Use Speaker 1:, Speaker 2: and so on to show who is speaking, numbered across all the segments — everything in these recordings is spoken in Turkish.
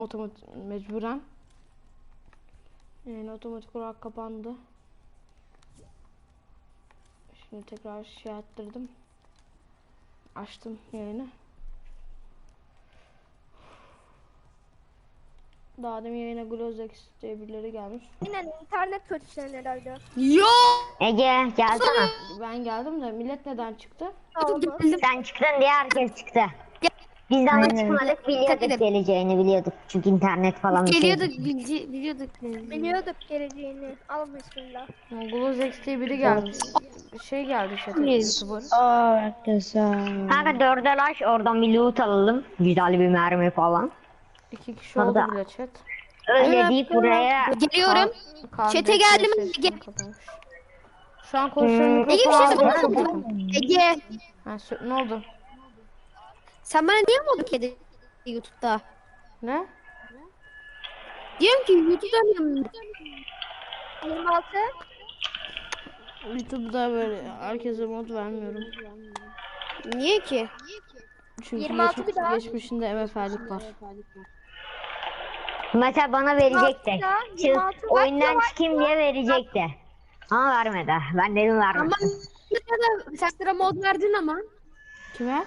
Speaker 1: mecburen. Yani otomatik olarak kapandı. Şimdi tekrar şey ettirdim. Açtım yayını. Daha demin yayına Glozex diye birileri gelmiş.
Speaker 2: Yine internet kötüsü herhalde.
Speaker 1: Yo!
Speaker 3: Ege gelsene.
Speaker 1: Ben geldim de millet neden çıktı?
Speaker 3: Sen çıktın diye herkes çıktı. Biz de ama çıkmadık, biliyorduk geleceğini biliyorduk. Çünkü internet falan bir şey.
Speaker 2: Biliyorduk geleceğini. Al bismillah.
Speaker 1: Glozex diye biri gelmiş. Şey geldi chat'e, YouTuber.
Speaker 4: Arkadaşlar.
Speaker 3: Kanka dördelaş oradan bir loot alalım. Güzel bir mermi falan.
Speaker 1: 2 kişi oldu
Speaker 3: Orada.
Speaker 1: bile chat.
Speaker 3: Öyle deyip buraya...
Speaker 5: Geliyorum. Chat'e geldim.
Speaker 1: Şu an konuşuyorum,
Speaker 5: Ege bir şey
Speaker 1: mikrofon
Speaker 5: soracağım. Ege.
Speaker 1: Ne oldu?
Speaker 5: Sen bana niye moduk kedi YouTube'da?
Speaker 1: Ne?
Speaker 5: Diyorum ki YouTube'da
Speaker 2: 26.
Speaker 1: YouTube'da böyle herkese mod vermiyorum.
Speaker 5: niye ki?
Speaker 1: Çünkü
Speaker 2: 26 bir daha.
Speaker 1: geçmişinde MF'lik var.
Speaker 3: Mesela bana verecekti.
Speaker 2: 26
Speaker 3: Oyundan çıkayım diye verecekti. Ama vermedi. Ben dedim vermedi.
Speaker 5: Ama sen sıra mod verdin ama.
Speaker 1: Kime?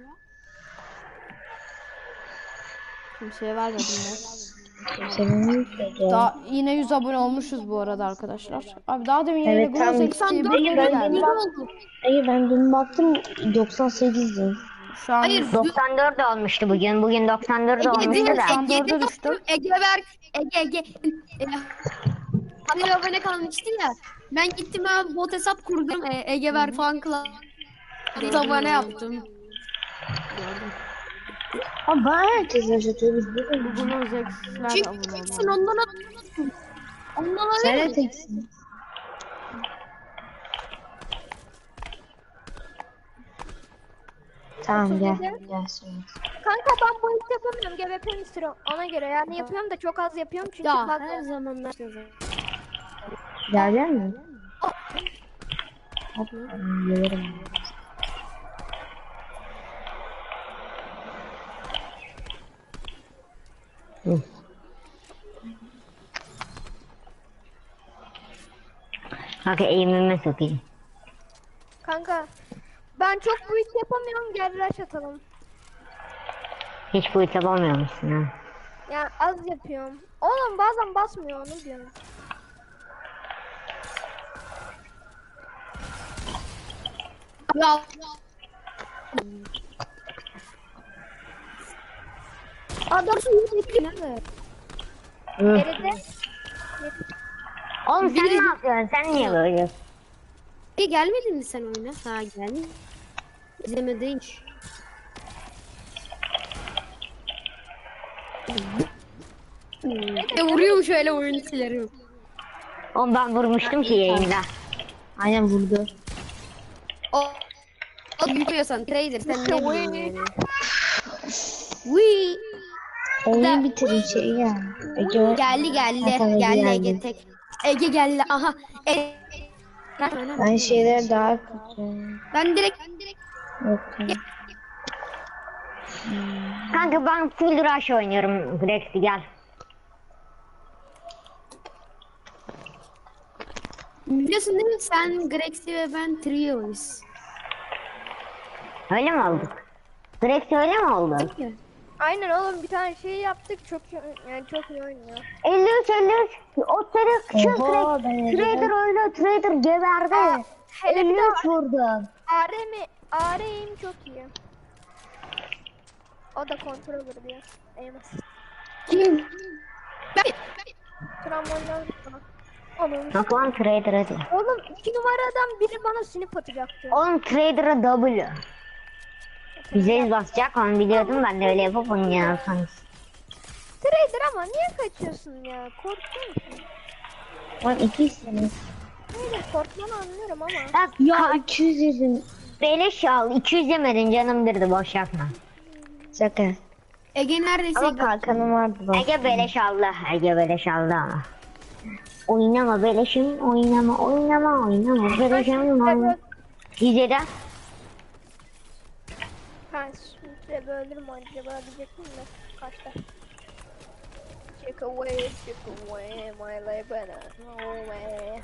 Speaker 1: Kimseye vermedim ben. Daha yine 100 abone olmuşuz bu arada arkadaşlar. Abi daha demin yayına
Speaker 4: Evet, tam
Speaker 1: Glozex diye birileri geldi.
Speaker 4: Hayır ben dün baktım 98'di.
Speaker 1: Şu an
Speaker 5: Hayır.
Speaker 3: 94 olmuştu bugün. Bugün 94 olmuştu da.
Speaker 1: 94'e düştüm.
Speaker 5: Ege ver. Ege. Hani abone kalmıştın ya. Ben gittim abi bot hesap kurdum. Ege ver fan club. Abone yaptım.
Speaker 4: Ama bana herkes yaşatıyor biz değil mi?
Speaker 1: Glozex'ler
Speaker 5: Çünkü
Speaker 1: abone
Speaker 5: teksin
Speaker 1: oldu.
Speaker 5: ondan
Speaker 4: Sen de
Speaker 5: alıyor.
Speaker 4: teksin. Tamam gel. Gel sonra.
Speaker 2: Kanka ben bu iş yapamıyorum. GBP'nin sıra ona göre. Yani yapıyorum da çok az yapıyorum çünkü
Speaker 5: Ya
Speaker 2: bak
Speaker 5: her zaman
Speaker 4: Gelecek mi? Hop, gelirim.
Speaker 3: Kanka eğimime sokayım.
Speaker 2: kanka ben çok bu iş yapamıyorum. Gel rush atalım.
Speaker 3: Hiç bu hitap olmuyor musun ha?
Speaker 2: Yani az yapıyorum. Oğlum bazen basmıyor onu diyorum.
Speaker 5: Ya
Speaker 2: Adamsın nerede? Geride.
Speaker 3: Oğlum sen ne yapıyorsun? Sen niye böyle?
Speaker 5: gelmedin mi sen oyuna? Ha geldin. İzlemedin hiç. Vuruyorum şöyle oyuncuları.
Speaker 3: Oğlum ben vurmuştum ki yayında.
Speaker 4: Aynen vurdu.
Speaker 5: O yürüyorsan trader sen ne biliyorsun yani? Wii.
Speaker 4: Oyunu bitirin şey ya. Ege
Speaker 5: Geldi Ege tek. Ege geldi aha.
Speaker 4: Ben şeyler daha kötü.
Speaker 5: Ben direkt
Speaker 4: Yok.
Speaker 3: Kanka ben full rush oynuyorum. Grex'i gel.
Speaker 5: biliyorsun değil mi sen Grex'i ve ben trio'yuz.
Speaker 3: Öyle mi olduk? Grex öyle mi oldu?
Speaker 2: Aynen oğlum bir tane şey yaptık çok yani çok iyi oynuyor.
Speaker 3: 53. O çocuk şu
Speaker 4: Oha, ben
Speaker 3: Trader öyle. Trader geberdi.
Speaker 2: Hele bir de
Speaker 3: 53 vurdum.
Speaker 2: AR'im çok iyi. O da controller diyor. Eyvah.
Speaker 5: Kim?
Speaker 2: Tramvaydan sonra. Oğlum,
Speaker 3: Bak lan Trader hadi.
Speaker 2: oğlum 2 numaradan biri bana sinip atacaktı.
Speaker 3: Oğlum Trader'a W. Bize basacak onu biliyordum, ben de öyle yapıp onu yapsanız.
Speaker 2: Trader ama niye kaçıyorsun ya? Korkuyor musun?
Speaker 4: Lan 2 sene.
Speaker 2: Hayır korkmanı anlıyorum ama.
Speaker 3: Bak
Speaker 4: Ya 200 yedim.
Speaker 3: beleş al, 200 yemedin canım dirdi, boş yapma.
Speaker 4: Şaka.
Speaker 5: Ege neredeyse
Speaker 4: Ama kalkanım vardı bak.
Speaker 3: Ege beleş aldı, Ege beleş aldı ama. Oynama beleşim, oynama beleşim. Gizede.
Speaker 2: Ben şimdi böldürüm acaba diyecektim de kaçta. Take away my labor. No way.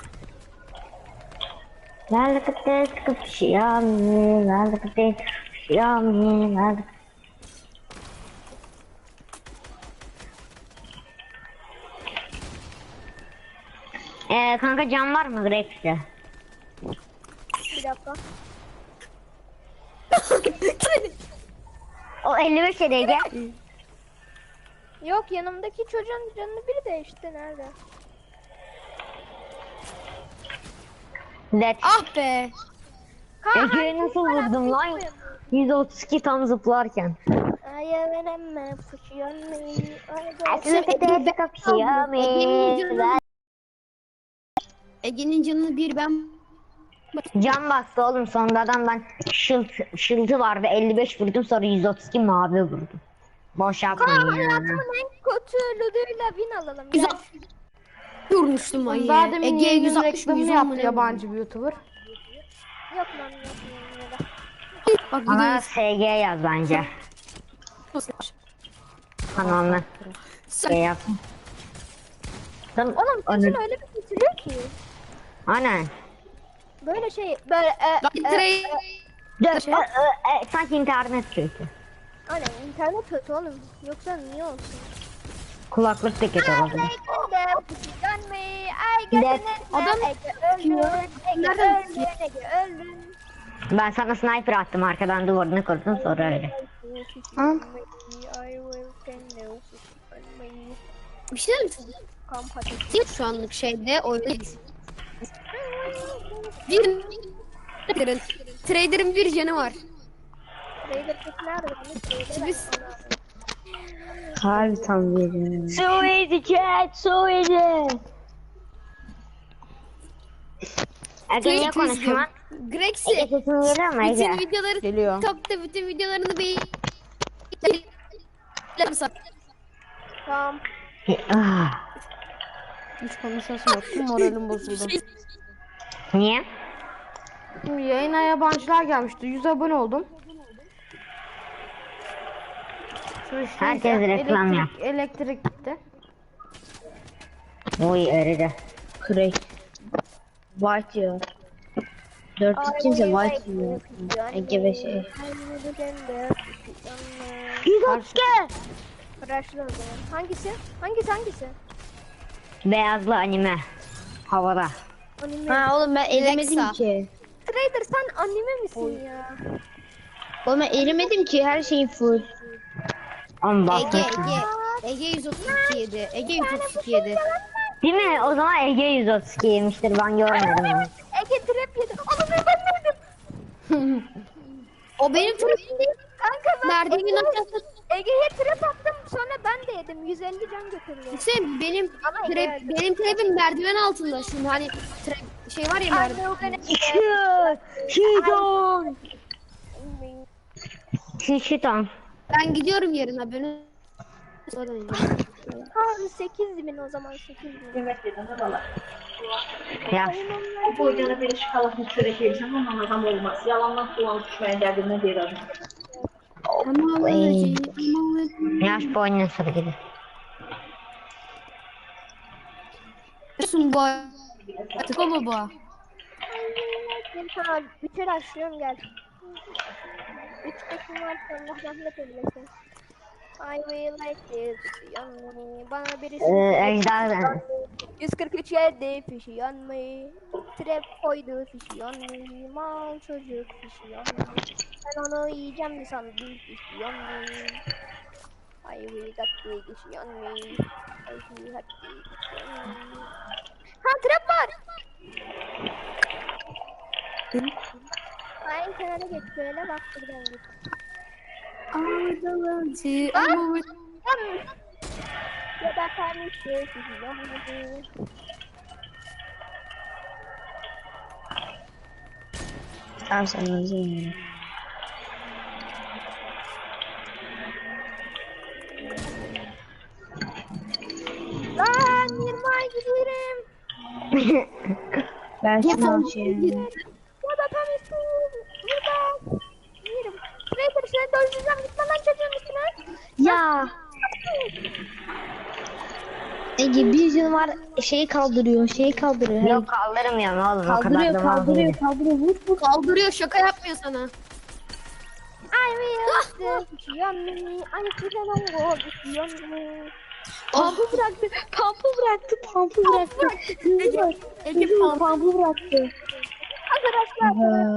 Speaker 3: Lalakate kapşiyami, lalakate kapşiyami, lalakate. Kanka can var mı Grex'te?
Speaker 2: Bir dakika.
Speaker 3: O 55 edeydi.
Speaker 2: Yok, yanımdaki çocuğun canını biri değişti. Nerede?
Speaker 3: Dead.
Speaker 5: Ah be.
Speaker 3: Ege'ye nasıl vurdum lan? 132 tam zıplarken. Lalakate kapşiyami,
Speaker 5: Ege'nin canını bir ben
Speaker 3: can bastı oğlum, sonradan ben şıltı var ve 55 vurdum, sonra 132 mavi vurdum. Boş yapmayın ya.
Speaker 2: Hayatımın en kötü luduyla win alalım. Gel.
Speaker 5: 160 vurmuştum ayı.
Speaker 1: Daha demin
Speaker 5: Ege'ye
Speaker 1: yayının
Speaker 5: 160
Speaker 1: reklamını
Speaker 5: 110
Speaker 1: yaptı
Speaker 5: mu ne
Speaker 1: yabancı bir YouTuber.
Speaker 2: Yok lan, yok ya da.
Speaker 5: Bak
Speaker 3: Bana
Speaker 5: gidiyoruz.
Speaker 3: SG yaz bence. Kanalına şey yap.
Speaker 2: Oğlum sesin öyle bir bitiriyor ki.
Speaker 3: Aynen.
Speaker 2: Böyle şey böyle
Speaker 3: Sanki internet kötü.
Speaker 2: Aynen, internet kötü oğlum. Yoksa niye olsun?
Speaker 3: Kulaklık da kötü olabilir.
Speaker 5: Adam
Speaker 2: öldün.
Speaker 3: Ben sana sniper attım, arkadan duvarını kurdun, sonra öyle.
Speaker 5: bir şey misin? Şu anlık şeyde oynayız. Trader'ın bir canı var. Biz
Speaker 4: Harbi tam veriyorum.
Speaker 3: So easy chat, so easy. Ege niye konuşuyor lan?
Speaker 5: Grex'i
Speaker 3: Ege sesin geliyor mu
Speaker 5: bütün
Speaker 3: Ege?
Speaker 5: videoları
Speaker 1: Geliyor.
Speaker 5: TikTok'ta bütün videolarını
Speaker 2: Tamam.
Speaker 3: Ah,
Speaker 1: Hiç konuşasım yok. Tüm moralim bozuldu.
Speaker 3: niye?
Speaker 1: Şimdi yayına yabancılar gelmişti. 100 abone oldum. Şu işte
Speaker 3: Herkes reklam yap.
Speaker 1: elektrik gitti.
Speaker 3: Oy eridi.
Speaker 4: Crack. White diyor. 4 kimse white diyor. Ege ve şey.
Speaker 3: 132.
Speaker 2: Crash'lı o zaman. Hangisi? Hangisi?
Speaker 3: Beyazlı anime. Havada.
Speaker 2: Anime.
Speaker 4: Ha oğlum ben elemedim
Speaker 5: Alexa.
Speaker 4: ki.
Speaker 2: Trader, sen anime misin ya?
Speaker 4: Oğlum ben elemedim ki, her şeyim full.
Speaker 3: On bak.
Speaker 5: Ege 132 yedi. Ege 132 yedi.
Speaker 3: Değil mi? O zaman Ege 132 yemiştir, ben görmedim onu.
Speaker 2: Ege trap yedi. Oğlum ben neydim?
Speaker 5: O benim trapim değil.
Speaker 2: Kanka ben
Speaker 5: Merdivenin aşağısı.
Speaker 2: Ege'ye trap attım, sonra ben de yedim. 150 can götürdüm.
Speaker 5: Hüseyin benim
Speaker 2: Ama
Speaker 5: trap,
Speaker 2: geldi.
Speaker 5: benim trapim merdiven altında. Şimdi hani trap şey var ya merdiven.
Speaker 3: Şiton. Şiton.
Speaker 5: Ben gidiyorum yarın haberini. Sonra ineceğim.
Speaker 2: Ha 8.000 o zaman, 8.000.
Speaker 3: Ya
Speaker 6: Boycana biri şokoladını çörek yersem ondan adam olmaz. Yalandan dolanıp düşmeye geldiğinde bir adam.
Speaker 5: Tamam alacağım.
Speaker 3: yaş boyunca sıra gibi.
Speaker 5: Sun bu. Artık o baba.
Speaker 2: Tamam, bitir açıyorum, gel. 3 takım var, Allah rahmet eylesin. I will like this, yanmayı. Bana birisi
Speaker 3: Ejder.
Speaker 2: 143 yedi fişi yanmayı. Trap koydu fişi yanmayı. Mal çocuk fişi yanmayı. Ben onu yiyeceğim mi sandım, fişi yanmayı. I will got the fişi yanmayı. I will got the fişi yanmayı. Ha, trap var. Ay kenara geç, böyle bak buradan git.
Speaker 5: Ağdalıcı
Speaker 2: Ah!
Speaker 5: ama
Speaker 2: Ya da kardeşi fişi yanmayı.
Speaker 4: Tamam sen özür.
Speaker 2: Lan 20 ay gidiyorum.
Speaker 4: Ben şunu şey.
Speaker 2: Ya da tam istiyorum. Burada. Yerim. Trader sen de özleyeceğim. Gitme lan çocuğun üstüne.
Speaker 4: Ya. Ege bir canı var şeyi kaldırıyor
Speaker 3: Yok kaldırmıyorum oğlum o kadar
Speaker 4: Kaldırıyor
Speaker 3: da mal
Speaker 4: kaldırıyor
Speaker 3: değilim.
Speaker 4: kaldırıyor vur vur.
Speaker 5: Kaldırıyor, şaka yapmıyor sana.
Speaker 2: I will fish on me. I couldn't go fish on me.
Speaker 4: Pampı bıraktı pampı bıraktı.
Speaker 5: Ege falan.
Speaker 4: Pampı bıraktı.
Speaker 2: Arkadaşlar.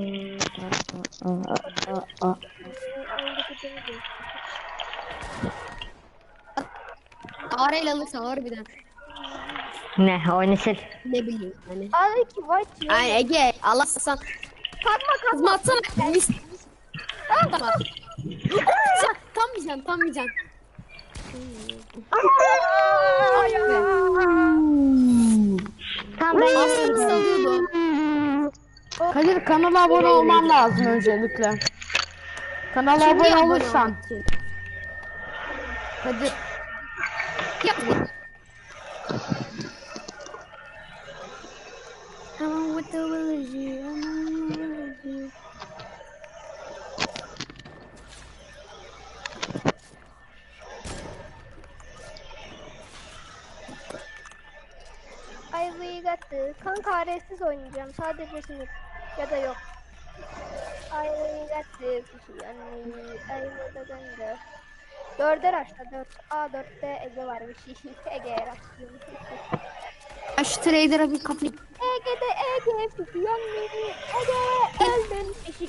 Speaker 5: Ağrıyla alırsa harbiden.
Speaker 3: Ne oyunu sil.
Speaker 5: Ne bileyim hani.
Speaker 2: Ay ki white ya.
Speaker 5: Ay Ege Allah sen.
Speaker 2: Kalkma
Speaker 5: Kızma
Speaker 2: kalkma.
Speaker 5: atsana. Tamam. Tam yiyeceksin tam yiyeceksin.
Speaker 3: Tamam ben
Speaker 5: Aslında salıyordu.
Speaker 1: Kadir kanala abone olman lazım öncelikle. Kanala
Speaker 5: Şimdi
Speaker 1: abone
Speaker 5: abone
Speaker 1: olursan.
Speaker 5: olmak için.
Speaker 1: Kadir
Speaker 5: Yap. Come with the village.
Speaker 2: Ay we got the. Kanka aresiz oynayacağım. Sadece sinir. Ya da yok. Ay we got the fish on me. Ay we got the. Dörder açta 4. A4'te Ege var bir şey. Ege'ye rastlıyorum.
Speaker 5: Ya şu trader'a bir kapı.
Speaker 2: Ege'de Ege fish on me. Ege öldün fiş.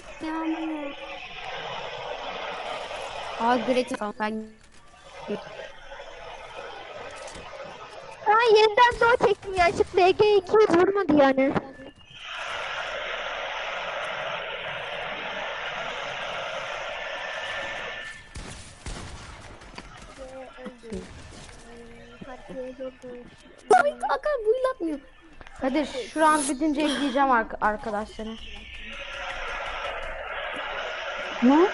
Speaker 5: Aa Gretchen falan ben.
Speaker 2: Ha yeniden doğu çektim ya. Çıktı Ege 2 vurmadı yani.
Speaker 5: Ay kanka buylatmıyor.
Speaker 1: Kadir şu an bitince ekleyeceğim arkadaşları.
Speaker 4: Ne?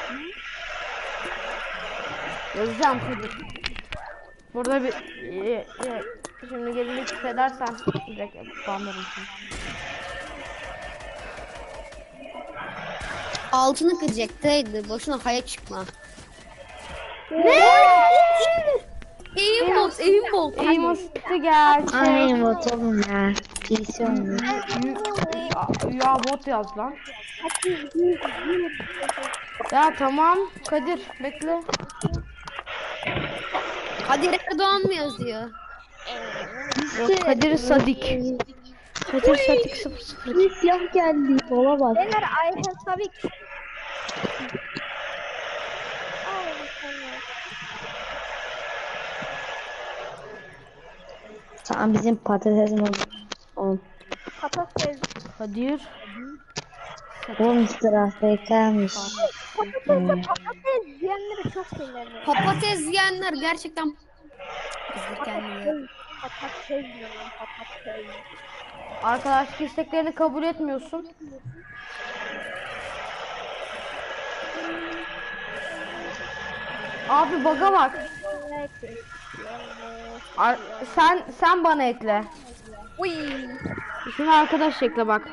Speaker 1: Yazacağım Kadir. Burada bir şimdi gelinlik hissedersen direkt banlarım seni.
Speaker 5: Altını kıracaktaydı. Boşuna haya çıkma. Aimbot, aimbot.
Speaker 1: Emoş'ta gerçek.
Speaker 4: Ay motorum ya. PC olmuyor.
Speaker 1: Ya bot yaz lan. Ya tamam Kadir bekle.
Speaker 5: Kadir Erdoğan mı yazıyor?
Speaker 1: Yok Kadir Sadik. Kadir Sadik 00.
Speaker 4: Bir silah geldi. Olamaz.
Speaker 2: Beyler Ayhan Sabik.
Speaker 4: Tamam bizim patatesim oldu. Oğlum.
Speaker 2: Patates.
Speaker 1: Kadir.
Speaker 4: Oğlum AFK'mış.
Speaker 2: Patates diyenleri çok sinirlenir.
Speaker 5: Patates yiyenler gerçekten kızdır kendini.
Speaker 2: Patates diyorum patates.
Speaker 1: Arkadaşlık isteklerini kabul etmiyorsun. Abi baga bak. Sen bana ekle.
Speaker 2: Uy.
Speaker 1: Şunu arkadaş ekle bak.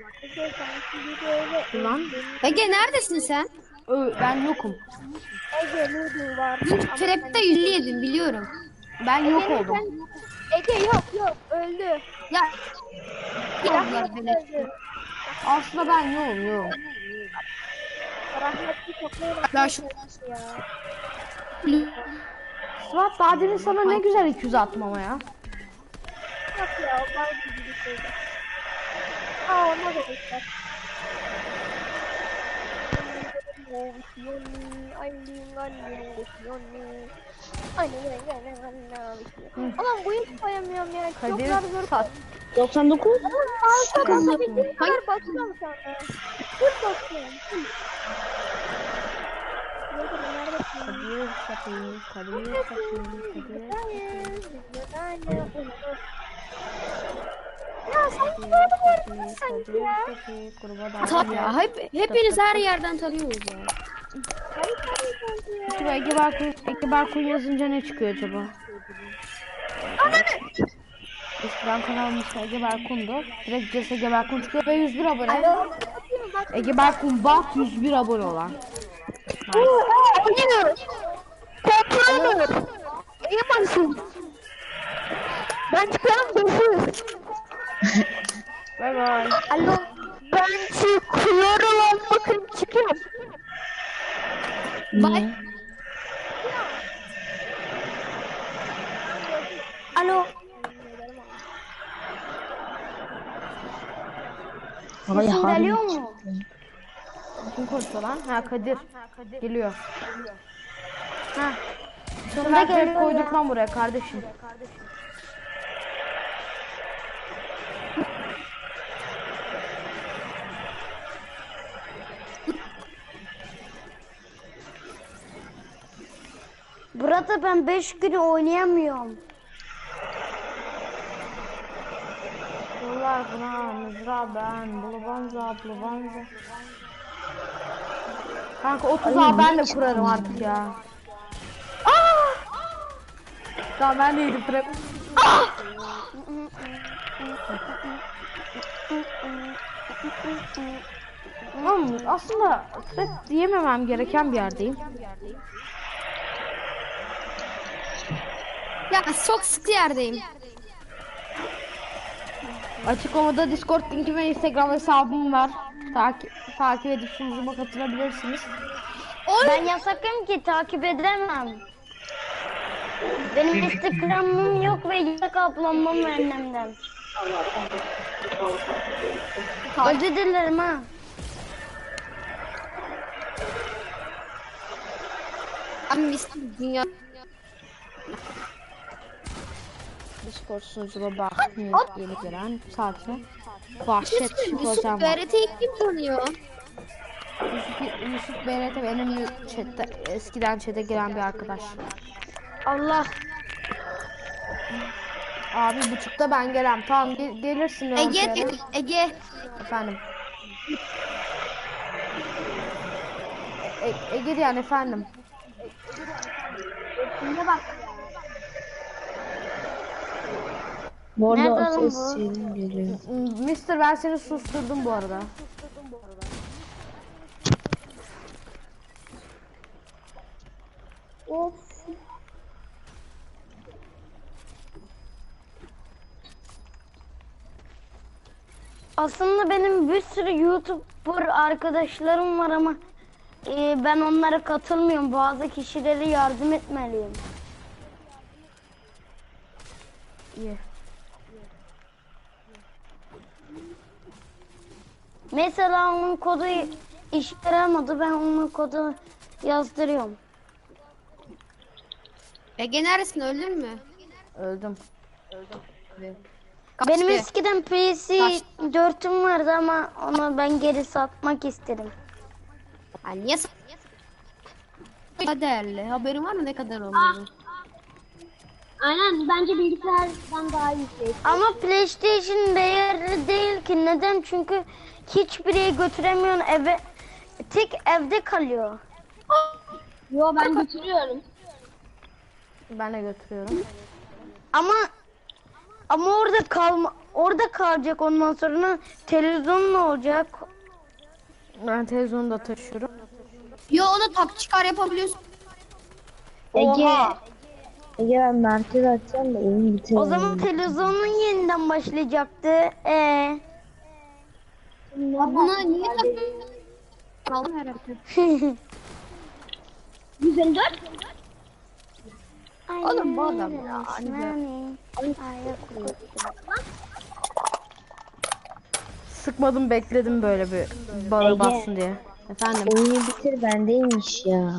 Speaker 1: Lan
Speaker 5: Ege neredesin sen?
Speaker 1: ben yokum.
Speaker 2: Ege Ludu var.
Speaker 5: Dün trap'te 100 yedim biliyorum.
Speaker 1: Ben yok oldum.
Speaker 2: Ege yok öldü.
Speaker 5: Ya yaptılar beni.
Speaker 2: Öldü.
Speaker 1: Aslında ben yokum.
Speaker 2: Rahmetli toplayalım.
Speaker 5: Ya şu
Speaker 2: Ya.
Speaker 1: Suat daha demin sana ne güzel 200 attım ama ya.
Speaker 2: Yok ya o var gibi bir şeydi. Aa ona da geçer. Ulan bu hiç koyamıyorum ya. Çok
Speaker 1: Kadir
Speaker 2: zor.
Speaker 1: sat.
Speaker 4: 99.
Speaker 2: Alta basabildiğim kadar basıyorum şu anda. Full basıyorum.
Speaker 1: Kadir satayım. Kadir satayım.
Speaker 2: Ya sen gördün mü sanki ya?
Speaker 5: Tabii ya hepiniz her yerden tanıyoruz ya.
Speaker 1: Acaba Ege Barkun yazınca ne çıkıyor acaba? Eskiden kanalım işte Ege Barkun'du. Direkt CS Ege Barkun çıkıyor ve 101 abone. Ege Barkun bak 101 abone olan.
Speaker 2: Kontrolü. İyi basın. Ben çıkıyorum, görüşürüz.
Speaker 1: Bay bay.
Speaker 2: Alo. Ben çıkıyorum lan, bakın çıkıyorum.
Speaker 5: Bye.
Speaker 2: Alo.
Speaker 4: Ay
Speaker 3: Sesin
Speaker 4: harbi
Speaker 3: geliyor mu?
Speaker 1: Kim konuşuyor lan? Ha Kadir. Geliyor. Ha.
Speaker 3: Sonunda
Speaker 1: Trap
Speaker 3: geliyor
Speaker 1: koyduk
Speaker 3: ya.
Speaker 1: lan buraya kardeşim.
Speaker 3: Burada ben 5 gün oynayamıyorum.
Speaker 1: Yollar buna mızra ben. Bulabanza. Kanka 30 ben de kurarım artık ya. Tamam ben de yedim trap. Oğlum aslında trap diyememem gereken bir yerdeyim.
Speaker 5: Ya çok sıkı yerdeyim.
Speaker 1: Açıklamada Discord linki ve Instagram hesabım var. Takip edip sunucuma katılabilirsiniz.
Speaker 3: Ben yasakım ki takip edemem. Benim Instagram'ım yok ve yasak ablamam annemden. Özür dilerim ha.
Speaker 5: Abi misli dünya.
Speaker 1: Discord sunucuma bak. Yeni gelen saatine. Vahşet
Speaker 5: Yusuf
Speaker 1: hocam.
Speaker 5: BRT'yi kim tanıyor?
Speaker 1: Yusuf BRT benim eskiden chat'e giren bir arkadaş.
Speaker 3: Allah.
Speaker 1: Abi buçukta ben gelem. Tamam gelirsin.
Speaker 5: Ege.
Speaker 1: Efendim. Ege diyen efendim.
Speaker 4: Bu arada
Speaker 3: Nerede
Speaker 4: o
Speaker 3: lan
Speaker 4: ses
Speaker 3: bu?
Speaker 4: şeyim geliyor.
Speaker 1: Mister ben seni susturdum bu arada.
Speaker 3: Aslında benim bir sürü YouTuber arkadaşlarım var ama ben onlara katılmıyorum. Bazı kişilere yardım etmeliyim.
Speaker 1: İyi.
Speaker 3: Mesela onun kodu işe yaramadı. Ben onun kodu yazdırıyorum.
Speaker 5: Ege neredesin, öldün mü?
Speaker 1: Öldüm.
Speaker 5: Kaç
Speaker 3: Benim
Speaker 5: be?
Speaker 3: eskiden PC 4'üm vardı ama onu ben geri satmak istedim.
Speaker 5: Ha, niye ne değerli? Haberin var mı ne kadar olduğunu?
Speaker 2: Aynen, bence bilgisayardan daha yüksek.
Speaker 3: Ama PlayStation değerli değil ki. Neden? Çünkü hiçbir yere götüremiyorsun eve. Tek evde kalıyor.
Speaker 2: Yo, ben götürüyorum.
Speaker 1: Ben de götürüyorum.
Speaker 3: Ama orada kalacak, ondan sonra televizyon ne olacak?
Speaker 1: Ben televizyonu da taşıyorum.
Speaker 5: Yo, ona tak çıkar yapabiliyorsun.
Speaker 3: Oha.
Speaker 4: Ege ben merkez açacağım da oyun bitiyor.
Speaker 3: O zaman televizyonun yeniden başlayacaktı.
Speaker 5: Ya buna niye takıyorsun? Allah'ım yarabbim.
Speaker 2: 154.
Speaker 5: Oğlum bu adam ya.
Speaker 1: Sıkmadım bekledim böyle bir bana
Speaker 4: Ege.
Speaker 1: bassın diye. Efendim.
Speaker 4: Oyunu bitir bendeymiş ya.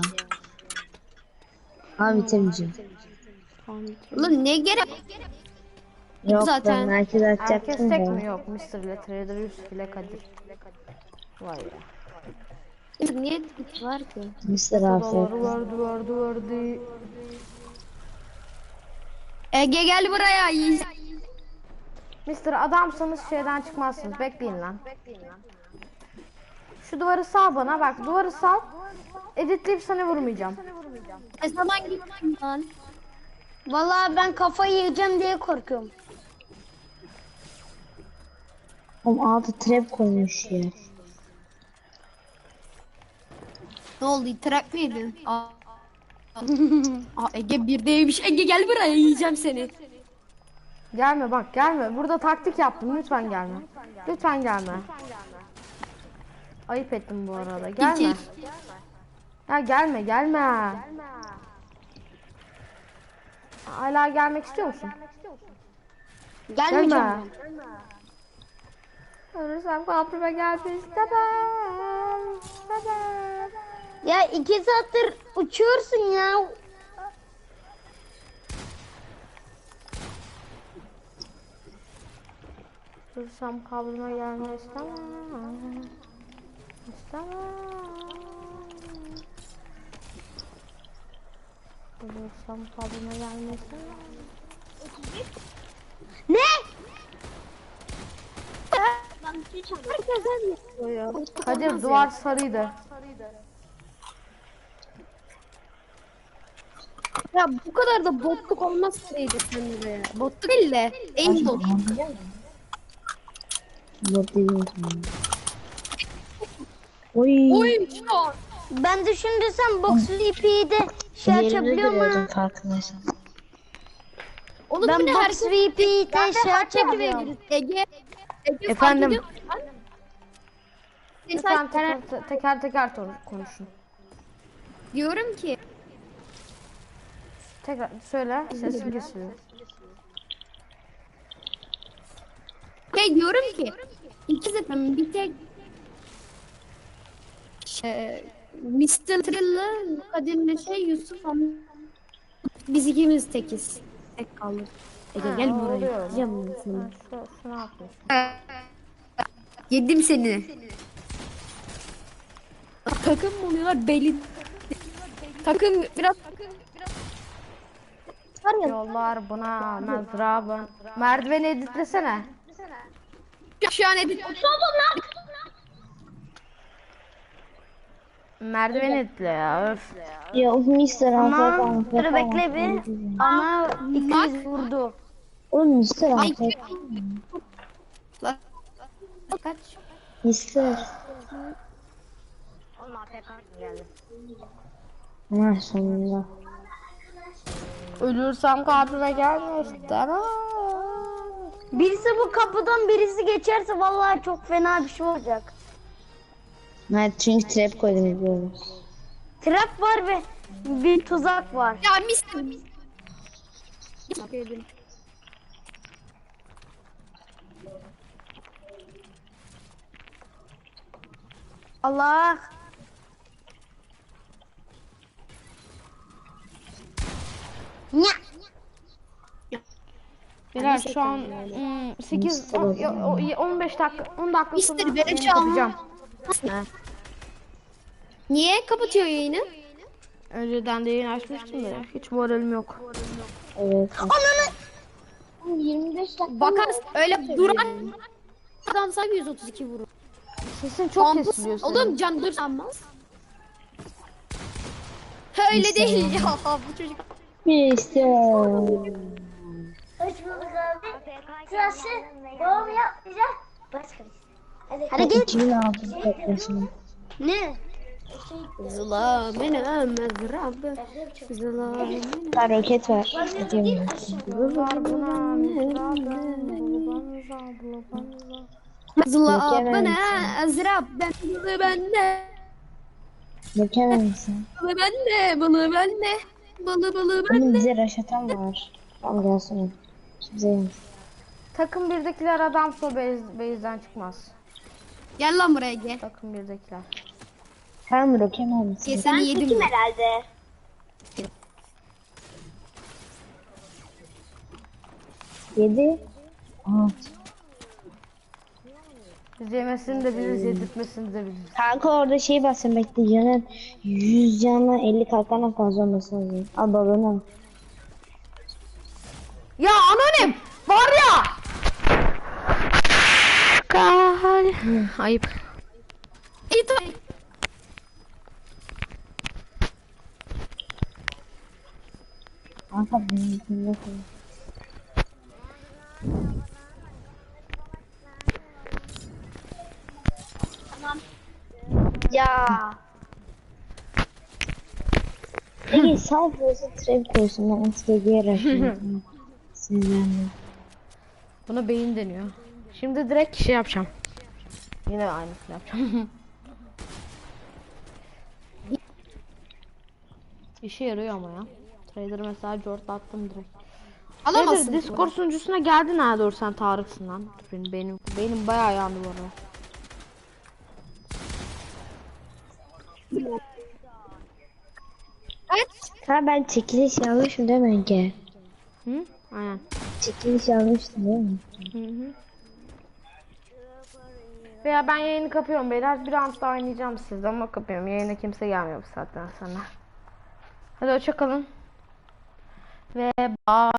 Speaker 4: Ha bitirmeyeceğim.
Speaker 5: Ulan ne gerek?
Speaker 4: Yok
Speaker 5: Zaten.
Speaker 4: ben merkez
Speaker 1: Herkes
Speaker 4: açacaktım
Speaker 1: tek
Speaker 4: da.
Speaker 1: mi? Yok. Mr. ile Trader Yusuf ile Kadir. Vay be.
Speaker 5: Niye tık var ki?
Speaker 4: Mr.
Speaker 1: Vardı
Speaker 4: Afet.
Speaker 1: vardı.
Speaker 5: Ege gel buraya.
Speaker 1: Mr. adamsanız şeyden çıkmazsınız. Bekleyin lan. Şu duvarı sal bana bak. Duvarı sal. Editleyip sana vurmayacağım.
Speaker 5: Ne zaman gittin lan?
Speaker 3: Vallahi ben kafayı yiyeceğim diye korkuyorum.
Speaker 4: Oğlum altı trap koymuş ya.
Speaker 5: Ne oldu? Trap mi yedin? Aa, Ege birdeymiş. Ege gel buraya, yiyeceğim seni.
Speaker 1: Gelme bak gelme. Burada taktik yaptım. Lütfen gelme. Lütfen gelme. Ayıp ettim bu arada. Gelme. Ya gelme gelme. Hala gelmek istiyor musun?
Speaker 5: Gelmeyeceğim
Speaker 1: Gelme.
Speaker 5: ben.
Speaker 1: Ölürsem kabrime gelmek istemem. İstemem.
Speaker 3: Ya 2 saattir uçuyorsun ya.
Speaker 1: Ölürsem kabrime gelmek istemem. İstemem. Ölürsem kabrime gelmek istemem.
Speaker 3: Ne?
Speaker 1: Kadir duvar sarıydı.
Speaker 5: Ya bu kadar da botluk olmaz Seydi sen de ya. Botluk değil de aimbot.
Speaker 4: Bot değilsin. Oy.
Speaker 5: Oyuncu.
Speaker 3: Ben de şimdi sen box VP'yi de şey açabiliyor mu?
Speaker 4: Farkındaysan.
Speaker 5: Onu
Speaker 3: Ben
Speaker 5: bir de
Speaker 3: box
Speaker 5: herkes
Speaker 3: VP'yi de şey açabiliyorum.
Speaker 5: Ege
Speaker 1: Efendim?
Speaker 5: fark ediyor musun?
Speaker 1: Lütfen
Speaker 5: Mesela
Speaker 1: teker konuşun.
Speaker 5: diyorum ki
Speaker 1: Tekrar söyle. Sesin kesiliyor.
Speaker 5: diyorum ki iki zaten bir tek Mr. Thriller, Kadir'le Yusuf ama biz ikimiz tekiz. Tek kaldık. Ege gel buraya.
Speaker 1: oluyor.
Speaker 5: Yiyeceğim ben seni.
Speaker 1: Şu ne yapıyorsun?
Speaker 5: Yedim seni. Takım mı oluyorlar belin. Takım biraz var ya
Speaker 1: Yollar buna mezrabın. Merdiveni editlesene.
Speaker 5: şu an edit.
Speaker 1: Merdiveni editle ya. Öf.
Speaker 4: Ya o Mr.
Speaker 3: Tamam. Dur bekle bir. Ama ikimiz vurdu.
Speaker 4: Oğlum Mr.
Speaker 5: Ay
Speaker 4: Afk.
Speaker 5: kaç.
Speaker 4: Mr. Ha sonunda.
Speaker 1: Ölürsem kabrime gelme istemem.
Speaker 3: Birisi bu kapıdan birisi geçerse vallahi çok fena bir şey olacak.
Speaker 4: Evet çünkü trap koydum biliyoruz.
Speaker 3: Trap var ve bir tuzak var.
Speaker 5: Ya Mr.
Speaker 3: Allah. Ya.
Speaker 1: Beyler şu an 8 15 dakika 10 dakika
Speaker 5: Mister,
Speaker 1: sonra
Speaker 5: beni
Speaker 1: yayını
Speaker 5: çağırma.
Speaker 1: kapatacağım.
Speaker 5: Niye kapatıyor yayını?
Speaker 1: Önceden de yayın açmıştım da hiç moralim yok.
Speaker 4: Evet.
Speaker 3: 25 dakika.
Speaker 5: Bakarsın öyle duran adam sahibi 132 vurur.
Speaker 1: Sesin çok
Speaker 5: Kampus-
Speaker 1: kesiliyor senin.
Speaker 5: Oğlum can dur sanmaz. Öyle değil ya bu çocuk.
Speaker 4: Mr.
Speaker 3: Hoş bulduk abi. Sırası babam yapmayacak. Başka bir şey. Hadi git.
Speaker 4: 2006 toplasın.
Speaker 3: Ne?
Speaker 5: Zılamene mezrabı. Zılamene.
Speaker 4: Ha roket var. Gidiyorum.
Speaker 1: Yollar buna mezrabın.
Speaker 5: Zılamene ezrab. Bende.
Speaker 4: Mükemmel misin?
Speaker 5: Balı bende. Balı
Speaker 4: Benim
Speaker 5: bende.
Speaker 4: bize raşatan var. Tamam gelsin. Kimse yemez.
Speaker 1: Takım birdekiler adamsa base'den çıkmaz.
Speaker 5: Gel lan buraya gel.
Speaker 1: Takım birdekiler.
Speaker 4: Tamam mükemmel misin?
Speaker 5: Seni yedim ben.
Speaker 3: herhalde.
Speaker 4: Yedi. Aha.
Speaker 1: Biz yemesini de biliriz, yedirtmesini de biliriz.
Speaker 4: Kanka orada şey basın bekle canın 100 canla 50 kalkana fazla olması lazım. Al balonu al.
Speaker 1: Ya anonim var ya. Ayıp.
Speaker 5: İt.
Speaker 4: Kanka benim içimde koy.
Speaker 3: Ya.
Speaker 4: Peki sağ burası trap koysun ben STG'ye raşıyorum. Sinirlendim.
Speaker 1: Buna beyin deniyor. Şimdi direkt şey yapacağım. Yine aynısını yapacağım. İşe yarıyor ama ya. Trader mesela Jort attım direkt.
Speaker 5: Alamazsın.
Speaker 1: Trader Discord sunucusuna geldin ha, doğru sen Tarık'sın lan. Dur, benim bayağı yandı bu arada.
Speaker 4: Ha ben çekiliş yazmışım değil mi Ege?
Speaker 1: Hı? Aynen.
Speaker 4: Çekiliş yazmıştım değil mi?
Speaker 1: Hı hı. Veya ben yayını kapıyorum beyler. Bir round daha oynayacağım sizde ama kapıyorum. Yayına kimse gelmiyor bu saatten sonra. Hadi hoşça kalın. Ve bye.